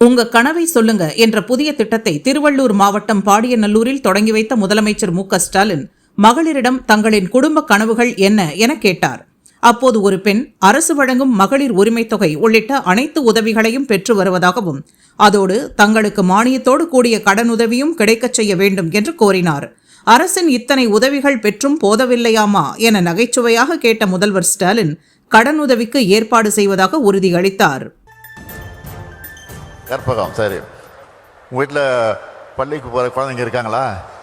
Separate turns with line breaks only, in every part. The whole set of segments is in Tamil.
உங்க கனவை சொல்லுங்க என்ற புதிய திட்டத்தை திருவள்ளூர் மாவட்டம் பாடியநல்லூரில் தொடங்கி வைத்த முதலமைச்சர் மு.க.ஸ்டாலின் மகளிரிடம் தங்களின் குடும்ப கனவுகள் என்ன என கேட்டார். அப்போது ஒரு பெண் அரசு வழங்கும் மகளிர் உரிமைத் தொகை உள்ளிட்ட அனைத்து உதவிகளையும் பெற்று வருவதாகவும் அதோடு தங்களுக்கு மானியத்தோடு கூடிய கடனுதவியும் கிடைக்கச் செய்ய வேண்டும் என்று கோரினார். அரசின் இத்தனை உதவிகள் பெற்றும் போதவில்லையாமா என நகைச்சுவையாக கேட்ட முதல்வர் ஸ்டாலின் கடனுதவிக்கு ஏற்பாடு செய்வதாக உறுதியளித்தார்.
கற்பகம், சரி, உங்கள் வீட்டில் பள்ளிக்கு போகிற குழந்தைங்க இருக்காங்களா?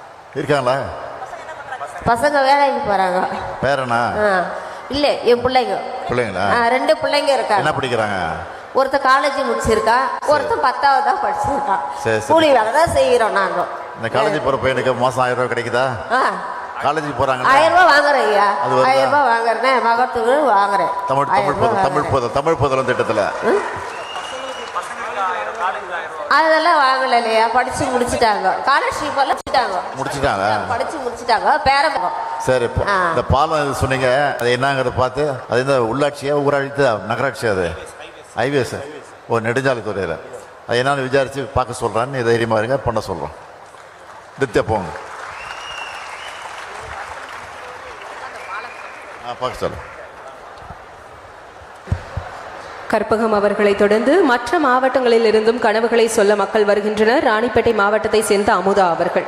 பசங்க வேலைக்கு போகிறாங்க.
பேரனா?
இல்லை, என் பிள்ளைங்க.
பிள்ளைங்களா?
2 பிள்ளைங்க இருக்காங்க.
என்ன படிக்கிறாங்க?
ஒருத்தர் காலேஜ் முடிச்சிருக்கா, ஒருத்தர் 10வது தான் படிச்சிருக்கான்.
சரி,
கூலி வேலை தான் செய்கிறோம் நாங்கள்.
இந்த காலேஜ் போகிற பையனுக்கு மாதம் 1000 ரூபா கிடைக்குதா? காலேஜுக்கு போகிறாங்க.
1000 ரூபா வாங்குறேன் ஐயா. 1000 ரூபா வாங்குறேன், மகத்துக்கு வாங்குறேன்.
தமிழ் புதலம் திட்டத்தில்
அதெல்லாம் வாங்கல இல்லையா, படிச்சு முடிச்சுட்டாங்க. ஸ்காலர்ஷிப் எல்லாம் படிச்சு முடிச்சுட்டாங்க. பேரம்.
சரி, இந்த பாலம் சொன்னீங்க, அது என்னங்கிறத பார்த்து, அது இந்த உள்ளாட்சியா ஊராட்சி நகராட்சியா? அது ஹைவேஸ், நெடுஞ்சாலைத்துறையில். அது என்னன்னு விசாரிச்சு பார்க்க சொல்கிறேன். நீ தைரியமாக இருங்க, பண்ண சொல்கிறோம். நித்தியா போங்க, பார்க்க சொல்ல.
கற்பகம் அவர்களை தொடர்ந்து மற்ற மாவட்டங்களில் இருந்தும் கனவுகளை சொல்ல மக்கள் வருகின்றனர். ராணிப்பேட்டை மாவட்டத்தை சேர்ந்த அமுதா அவர்கள்.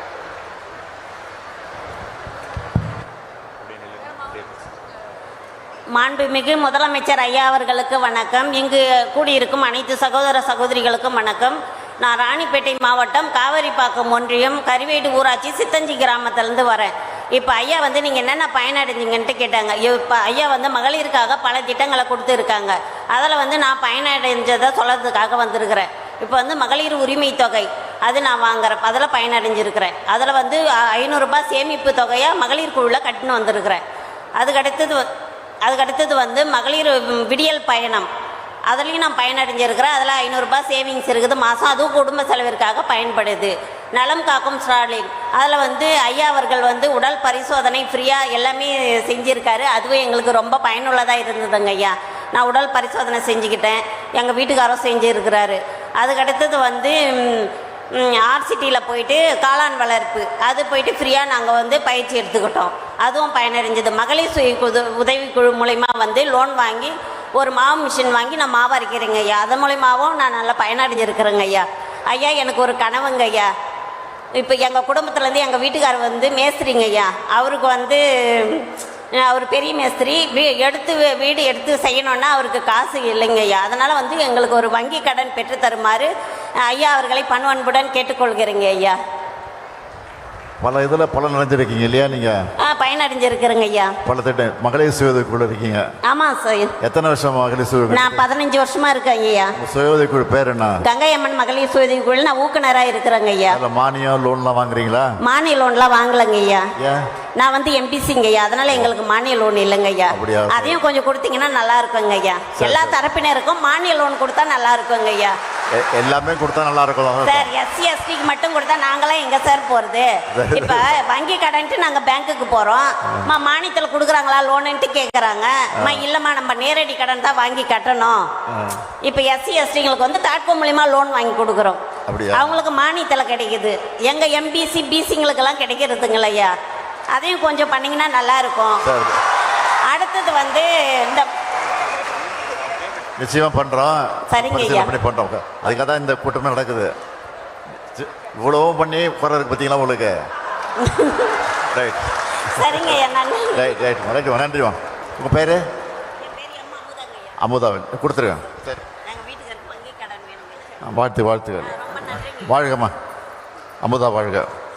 மாண்புமிகு முதலமைச்சர் ஐயா அவர்களுக்கு வணக்கம். இங்கு கூடியிருக்கும் அனைத்து சகோதர சகோதரிகளுக்கும் வணக்கம். நான் ராணிப்பேட்டை மாவட்டம் காவேரிப்பாக்கம் ஒன்றியம் கரிவேடு ஊராட்சி சித்தஞ்சி கிராமத்திலேருந்து வரேன். இப்போ ஐயா நீங்கள் என்னென்ன பயனடைஞ்சிங்கன்ட்டு கேட்டாங்க. இப்போ ஐயா மகளிருக்காக பல திட்டங்களை கொடுத்துருக்காங்க. அதில் நான் பயனடைஞ்சதை சொல்கிறதுக்காக வந்திருக்கிறேன். இப்போ மகளிர் உரிமை தொகை அது நான் வாங்குறேன், அதில் பயனடைஞ்சிருக்கிறேன். அதில் 500 ரூபாய் சேமிப்பு தொகையாக மகளிர் குழுவில் கட்டின்னு வந்திருக்கிறேன். அதுக்கடுத்தது மகளிர் விடியல் பயணம், அதுலேயும் நான் பயனடைஞ்சிருக்கிறேன். அதில் 500 ரூபாய் சேவிங்ஸ் இருக்குது மாதம், அதுவும் குடும்ப செலவிற்காக பயன்படுது. நலம் காக்கும் ஸ்டாலின், அதில் ஐயா அவர்கள் உடல் பரிசோதனை ஃப்ரீயாக எல்லாமே செஞ்சுருக்காரு. அதுவும் எங்களுக்கு ரொம்ப பயனுள்ளதாக இருந்ததுங்க ஐயா. நான் உடல் பரிசோதனை செஞ்சுக்கிட்டேன், எங்கள் வீட்டுக்காரரும் செஞ்சுருக்கிறாரு. அதுக்கடுத்தது ஆர்சிட்டியில் போயிட்டு காளான் வளர்ப்பு அது போயிட்டு ஃப்ரீயாக நாங்கள் பயிற்சி எடுத்துக்கிட்டோம். அதுவும் பயனடைஞ்சது. மகளிர் சுய உதவிக்குழு மூலிமா லோன் வாங்கி ஒரு மாவு மிஷின் வாங்கி நான் மாவு அரைக்கிறேங்க ஐயா. அது மூலிமாவும் நான் நல்லா பயனடைஞ்சிருக்கிறேங்க ஐயா. ஐயா, எனக்கு ஒரு கனவுங்க ஐயா. இப்போ எங்கள் குடும்பத்துலேருந்து எங்கள் வீட்டுக்காரர் மேஸ்திரிங்க ஐயா. அவருக்கு அவர் பெரிய மேஸ்திரி. வீடு எடுத்து செய்யணுன்னா அவருக்கு காசு இல்லைங்க ஐயா. அதனால் எங்களுக்கு ஒரு வங்கி கடன் பெற்று தருமாறு ஐயா அவர்களை பண்புடன் கேட்டுக்கொள்கிறேங்க ஐயா.
பல இதில் பலன் அடைஞ்சிருக்கீங்க இல்லையா? நீங்கள்
பயனடைஞ்சிருக்கிறேங்க ஐயா.
பல திட்டம் மகளிர் சுய உதவிக்குழு இருக்கீங்க.
ஆமாம் சார்.
எத்தனை வருஷம் மகளிர் சுய?
நான் 15 வருஷமாக இருக்கேன் ஐயா.
சுய உதவிக்குழு பேர் என்ன?
கங்கை அம்மன் மகளிர் சுய உதவிக்குழு. நான் ஊக்குனராக இருக்கிறேங்க ஐயா.
மானியம் லோன்லாம் வாங்குறீங்களா?
மானிய லோன்லாம் வாங்கலைங்க ஐயா. நான் எம்பிசிங்க ஐயா. அதனால எங்களுக்கு மானிய லோன் இல்லைங்க ஐயா. அதையும் கொஞ்சம் கொடுத்தீங்கன்னா நல்லா இருக்குங்க ஐயா. எல்லா தரப்பினருக்கும் மானிய லோன் கொடுத்தா நல்லா இருக்குங்க ஐயா.
எல்லாமே கொடுத்தா நல்லா இருக்கும்
சார். எஸ்சி எஸ்டிக்கு மட்டும் கொடுத்தா நாங்களாம் எங்க சார் போறது? இப்ப வங்கி கடன்ட்டு நாங்க பேங்க்குக்கு போறோம், மானியத்தில் கொடுக்குறாங்களா லோனுன்ட்டு கேட்குறாங்க. இல்லம்மா நம்ம நேரடி கடன் தான் வாங்கி கட்டணும். இப்ப எஸ்சி எஸ்டிங்களுக்கு தாட்கோ மூலியமா லோன் வாங்கி கொடுக்குறோம். அவங்களுக்கு மானியத்தில் கிடைக்குது. எங்க எம்பிசி பிசிங்களுக்கெல்லாம் கிடைக்கிறதுங்கள ஐயா. அதையும் கொஞ்சம் பண்ணீங்கன்னா நல்லா இருக்கும். அடுத்தது இந்த
நிச்சயமா பண்றோம்.
சரிங்க ஐயா.
பண்றோம். அதுக்காக தான் இந்த கூட்டமே நடக்குது. இவ்வளவும் பண்ணி போறதுக்கு பார்த்தீங்களா உங்களுக்கு? ரைட்.
சரிங்க ஐயா.
Right right right. நன்றி. உங்கள் பேர்? அமுதாவன். கொடுத்துருக்கேன். சரி, வாழ்த்துக்கள். வாழ்கம்மா. அமுதா வாழ்க.